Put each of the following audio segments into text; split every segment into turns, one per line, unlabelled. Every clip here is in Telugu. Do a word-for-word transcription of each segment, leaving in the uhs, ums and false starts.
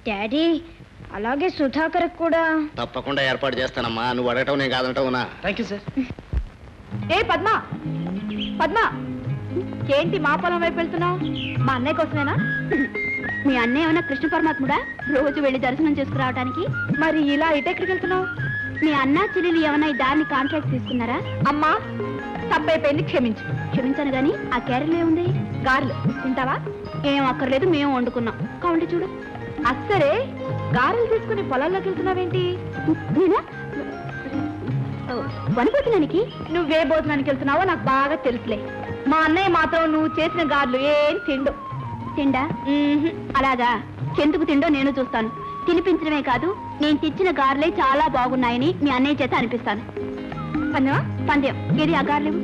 డాడీ అలాగే సుధాకర్ కూడా
తప్పకుండా ఏర్పాటు చేస్తానమ్మా. నువ్వు అడగటం నేను కాదంటావునా?
Thank you sir.
ఏ పద్మ పద్మ ఏంటి మా పొలం వైపు వెళ్తున్నావు? మా అన్నయ్య కోసమేనా?
మీ అన్నయ్య ఏమైనా కృష్ణ పరమాత్ముడా రోజు వెళ్ళి దర్శనం చేసుకురావడానికి?
మరి ఇలా ఇటెక్కడికి వెళ్తున్నావు?
మీ అన్న చెల్లెలు ఏమైనా ఈ దాన్ని కాంట్రాక్ట్ తీసుకున్నారా?
అమ్మా తప్పైపోయింది, క్షమించు.
క్షమించాను గాని ఆ క్యారెల్ ఏముంది?
గారెలు తింటావా?
ఏం అక్కర్లేదు, మేము వండుకున్నాం. కావండి చూడు.
అస్సరే గారెలు తీసుకుని పొలాల్లోకి వెళ్తున్నావేంటి?
నేనా వనభోజనానికి?
నువ్వే భోజనానికి వెళ్తున్నావో నాకు బాగా తెలుసులే. మా అన్నయ్య మాత్రం నువ్వు చేసిన గారెలు ఏం తిండు.
తిండా? అలాగా, ఎందుకు తిండో నేను చూస్తాను. తినిపించడమే కాదు, నేను తెచ్చిన గారెలే చాలా బాగున్నాయని మీ అన్నయ్య చేత అనిపిస్తాను.
పందెమా?
పందెం. ఏది ఆ గారెలు?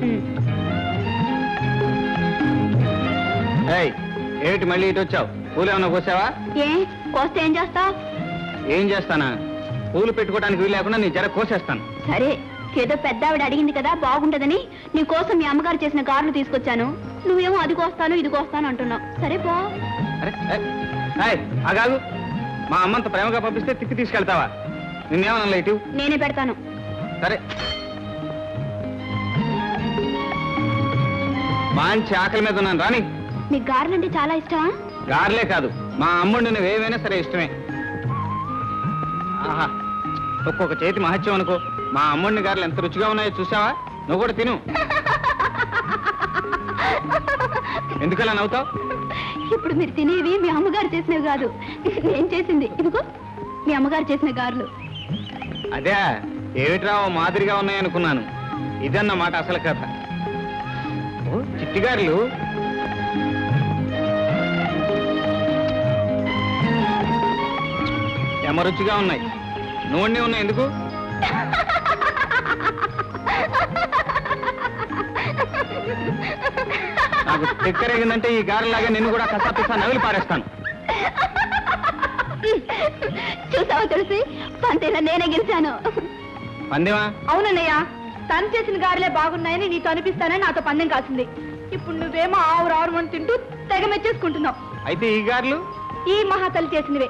ఏమిటి మళ్ళీ ఇటు వచ్చావు? పూలు ఏమన్నా కోసావా?
ఏ కోస్తే ఏం చేస్తావు?
ఏం చేస్తానా? పూలు పెట్టుకోవడానికి వీలు లేకుండా నీ జర కోసేస్తాను.
సరే, ఏదో పెద్ద ఆవిడ అడిగింది కదా బాగుంటదని నీ కోసం మీ అమ్మగారు చేసిన గారెలు తీసుకొచ్చాను. నువ్వేమో అది కోస్తాను ఇది కోస్తాను అంటున్నావు. సరే బా.
అరే అగాగు, మా అమ్మంత ప్రేమగా పంపిస్తే తిక్కి తీసుకెళ్తావా? నిన్నేమన్నా ఇటు?
నేనే పెడతాను.
సరే, మంచి ఆకలి మీద ఉన్నాను రాని.
మీకు గారెలు అంటే చాలా ఇష్టమా?
గారెలే కాదు, మా అమ్ముడు నువ్వు ఏమైనా సరే ఇష్టమే. ఆహా, ఒక్కొక్క చేతి మహత్యం అనుకో. మా అమ్ముడిని గారెలు ఎంత రుచిగా ఉన్నాయో చూసావా? నువ్వు కూడా తిను. ఎందుకలా నవ్వుతావు?
ఇప్పుడు మీరు తినేవి మీ అమ్మగారు చేసినవి కాదు, నేను చేసింది. ఇదిగో మీ అమ్మగారు చేసిన గారెలు.
అదే ఏమిట్రా మాదిరిగా ఉన్నాయనుకున్నాను. ఇదన్నమాట అసలు కథ. ఓ చిట్టిగారులు. ఎమ రుచిగా ఉన్నాయి. నూనె ఉన్నాయి. ఎందుకు? నాకు తిక్కరేగిందంటే ఈ గారెలాగా నిన్ను కూడా కసాపిస్తా నవిలి పారేస్తాను.
చూసావా తెలిసి పంతేలా నేనే గెలిచాను.
పందెమా?
అవునన్నయ్య, తను చేసిన గారెలే బాగున్నాయని నీతో అనిపిస్తానని నాతో పందెం కాసింది. ఇప్పుడు నువ్వేమో ఆవురు ఆవురు అని తింటూ తెగ మెచ్చేసుకుంటున్నావు.
అయితే ఈ గారెలు
ఈ మహాతల్లి చేసినవే.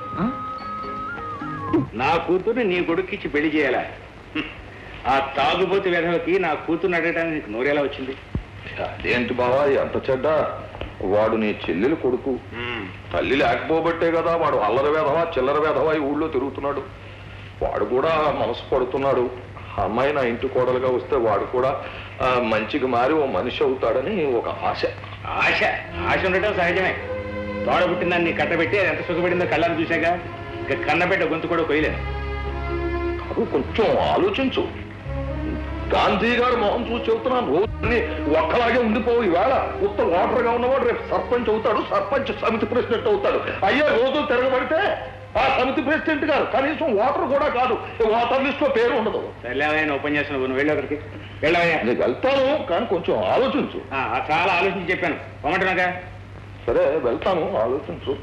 నా కూతుర్ని నీ కొడుక్కిచ్చి పెళ్లి చేయాలా? ఆ తాగుబోతు వెధవకి నా కూతుర్ని అడగడానికి నీకు నోరేలా వచ్చింది?
అదేంటి బావా ఎంత చెడ్డ? వాడు నీ చెల్లెలు కొడుకు. తల్లి లేకపోబట్టే కదా వాడు అల్లరి వేధవా చిల్లర వేధవా ఈ ఊళ్ళో తిరుగుతున్నాడు. వాడు కూడా మనసు పడుతున్నాడు. అమ్మాయి నా ఇంటి కోడలుగా వస్తే వాడు కూడా మంచిగా మారి ఓ మనిషి అవుతాడని ఒక ఆశ.
ఆశ ఆశ ఉండటం సహజమే. తోడ పుట్టిందాన్ని నీ కట్టబెట్టి అది ఎంత సుఖపడిందో కళ్ళని చూశాక ఇక కన్నబెట్ట గొంతు కూడా కొయ్యలేను.
కాదు, కొంచెం ఆలోచించు. గాంధీ గారు మొహం చూసి చెబుతున్నాను, రోజుని ఒక్కలాగే ఉండిపోవు. ఈవేళ ఉత్త ఓటర్ గా ఉన్నవాడు రేపు సర్పంచ్ అవుతాడు, సర్పంచ్ సమితి ప్రెసిడెంట్ అవుతాడు. అయ్యే రోజు తిరగబడితే ఆ సమితి ప్రెసిడెంట్ గారు కనీసం ఓటర్ కూడా కాదు, ఓటర్ లిస్ట్ లో పేరు ఉండదు.
వెళ్ళావయ్యా ఉపన్యాసం, నువ్వు వెళ్ళి ఒకరికి వెళ్ళావయ్యా.
నేను వెళ్తాను, కానీ కొంచెం ఆలోచించు.
చాలా ఆలోచించి చెప్పాను, పొమ్మంటున్నాగా.
సరే వెళ్తాను, ఆలోచించు.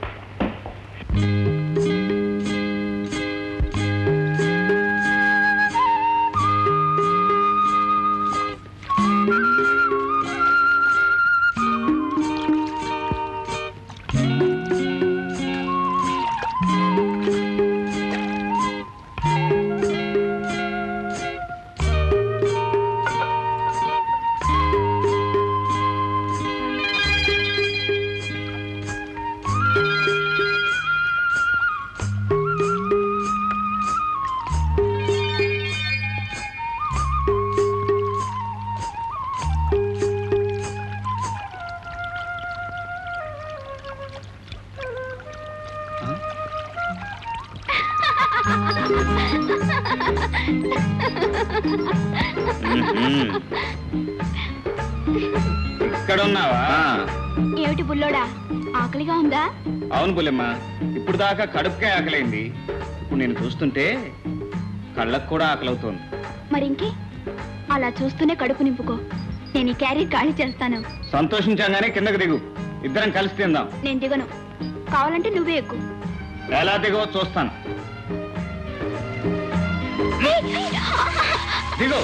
ఇక్కడ ఉన్నావా?
ఏమిటి బుల్లోడా, ఆకలిగా ఉందా?
అవును బుల్లెమ్మ, ఇప్పుడు దాకా కడుపుకే ఆకలైంది. ఇప్పుడు నేను చూస్తుంటే కళ్ళకు కూడా ఆకలవుతోంది.
మరి ఇంకే అలా చూస్తూనే కడుపు నింపుకో. నేను ఈ క్యారీ ఖాళీ చేస్తాను.
సంతోషించగానే కిందకు దిగు, ఇద్దరం కలిసి తిందాం.
నేను దిగను, కావాలంటే నువ్వే ఎక్కువ.
ఎలా దిగో చూస్తాను. దిగు.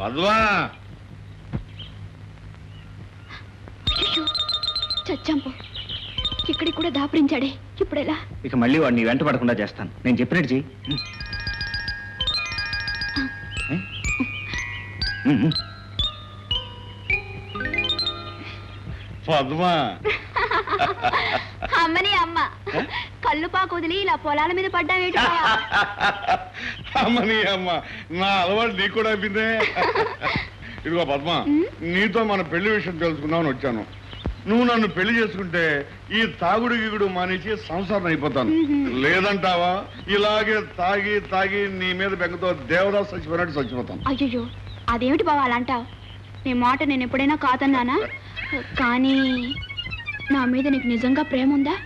పద్మా
అయ్యో, చచ్చాంపో. ఇక్కడికి కూడా దాపురించాడే, ఇప్పుడెలా?
ఇక మళ్ళీ వాడిని వెంట పడకుండా చేస్తాను. నేను చెప్పినట్టు చెయ్యి.
పద్మా
అమ్మని అమ్మ కళ్ళు పాకు వదిలి ఇలా పొలాల మీద పడ్డావేటి?
అమ్మని అమ్మ, నా అలవాటు నీకు కూడా అయిపోయిందే. ఇదిగో పద్మ, నీతో మన పెళ్లి విషయం తెలుసుకుందామని వచ్చాను. నువ్వు నన్ను పెళ్లి చేసుకుంటే ఈ తాగుడు గిగుడు మానేసి సంసారం అయిపోతాను. లేదంటావా ఇలాగే తాగి తాగి నీ మీద బెంగతో దేవదాస్ చచ్చిపోయినట్టు చచ్చిపోతాను.
అయ్యో, అదేమిటి బావ అలా అంటావు? నీ మాట నేను ఎప్పుడైనా కాదన్నానా? కానీ నా మీద నీకు నిజంగా ప్రేమ ఉందా?